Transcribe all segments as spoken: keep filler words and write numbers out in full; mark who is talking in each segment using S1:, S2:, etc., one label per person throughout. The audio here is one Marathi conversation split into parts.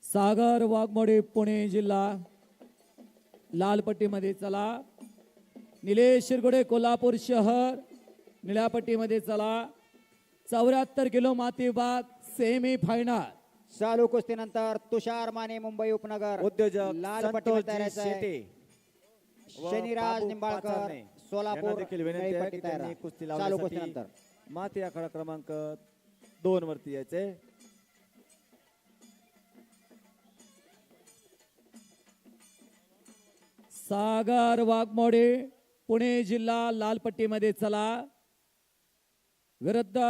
S1: सागर वाघमोडे पुणे जिल्हा लाल पट्टीमध्ये चला. निलेश शिरगोडे कोल्हापूर शहर निळ्या पट्टीमध्ये चला. चौऱ्याहत्तर किलो माती विभाग सेमी फायनल.
S2: चालू कुस्तीनंतर तुषार माने मुंबई उपनगर
S3: उद्योजक
S2: लाल पट्टीमध्ये तयार
S3: संतोषजी
S2: आहे.
S3: शेटे व
S2: शनिराज
S3: बाबू
S2: निंबाळकर
S3: पाचारणे यांना
S2: सोलापूर
S3: देखील विनंती
S2: निळी
S3: आहे
S2: पट्टी
S3: की
S2: तयार
S3: त्यांनी
S2: आहे.
S3: कुस्ती
S2: चालू
S3: लावण्यासाठी
S2: कुस्तीनंतर
S3: माती आखाडा क्रमांक दोन वरती यायचे.
S1: सागर वाघमोडे पुणे जिल्हा लाल पट्टीमध्ये चला. विरुद्ध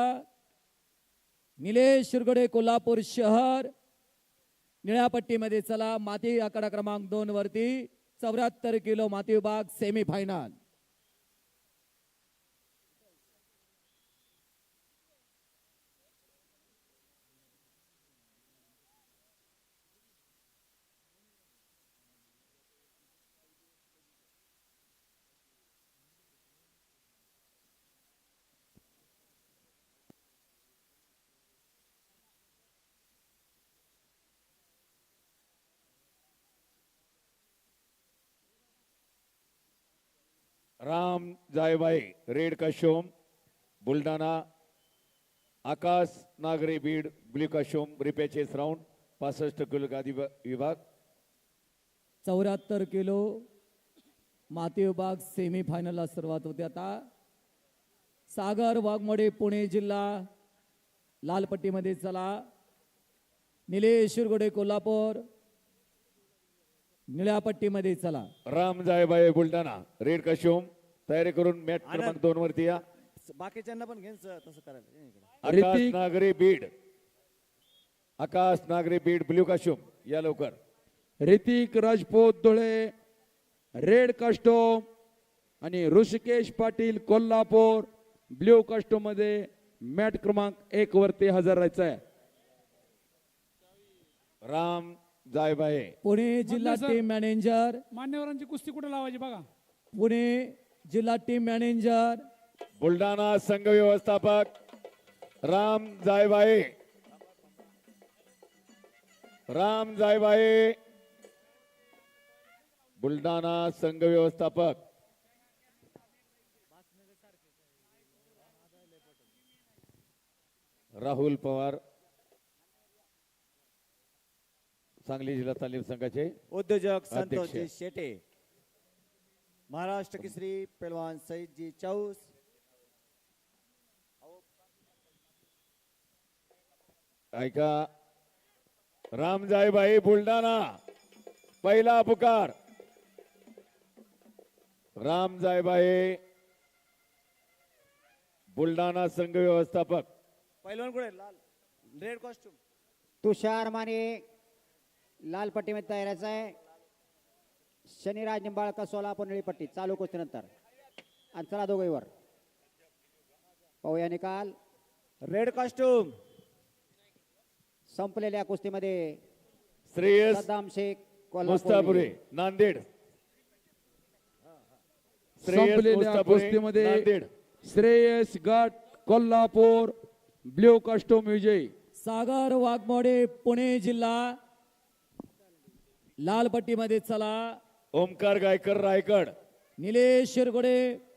S1: निलेश शिरगोडे कोल्हापूर शहर निळ्या पट्टीमध्ये चला. माती आकडा क्रमांक दोन वरती चौऱ्याहत्तर किलो माती विभाग semi final.
S4: Ram Jaibai red costume Buldhana. Akash Nagare Beed blue costume repechage round पासष्ट किलो गादी विभाग.
S1: चौऱ्याहत्तर किलो माती विभाग सेमी फायनलला सुरुवात होते. आता सागर वाघमोडे पुणे जिल्हा लाल पट्टीमध्ये चला. निलेश शिरगोडे कोल्हापूर निळ्या पट्टीमध्ये चला.
S4: राम जायबाई बुलढाणा रेड कशोम तयारी करून मॅट क्रमांक दोन वरती या.
S3: बाकीच्यांना पण घेऊन तसं करायला ये इकडे.
S4: आकाश
S5: ऋतिक.
S4: नागरे बीड आकाश नागरे बीड ब्ल्यू कशोम या लवकर.
S5: ऋतिक राजपूत धुळे रेड कस्टोम आणि ऋषिकेश पाटील कोल्हापूर ब्ल्यू कस्टोम मध्ये मॅट क्रमांक एक वरती हजर राहायचं आहे.
S4: राम जायबाई
S1: पुणे जिल्हा
S6: सर.
S1: टीम मॅनेजर
S6: मान्यवरांची कुस्ती कुठे लावायची बघा.
S1: पुणे जिल्हा टीम मॅनेजर
S4: बुलढाणा संघ व्यवस्थापक राम जायबाई. राम जायबाई बुलढाणा संघ व्यवस्थापक. राहुल पवार सांगली जिल्हा तालीम संघाचे
S3: उद्योजक
S4: अध्यक्ष.
S3: संतोषजी शेटे. महाराष्ट्र केसरी पहलवान सईदजी चौस.
S4: ऐका राम जायबाई बुलढाणा पहिला पुकार. राम जायबाई बुलढाणा संघ व्यवस्थापक.
S3: पहिलवान कुठे लाल रेड कॉस्ट्युम.
S2: तुषार माने लाल पट्टीमध्ये तयार आहे. शनिराज निंबाळकर सोलापूर निळी पट्टी. चालू कुस्तीनंतर आणि चला दोघेवर पाहूया निकाल.
S3: रेड कॉस्ट्युम
S2: संपलेल्या कुस्तीमध्ये
S4: श्रेयस
S2: सद्दाम शेख कोल्हापूर
S4: मुस्तापुरे नांदेड. श्रेयस
S5: संपलेल्या
S4: मुस्तापुरे,
S5: कुस्तीमध्ये
S4: नांदेड.
S5: श्रेयस गट कोल्हापूर ब्ल्यू कस्टोम विजयी.
S1: सागर वाघमोडे पुणे जिल्हा लाल पट्टीमध्ये चला.
S4: ओमकार गायकर रायगड.
S1: निलेश शिरगोडे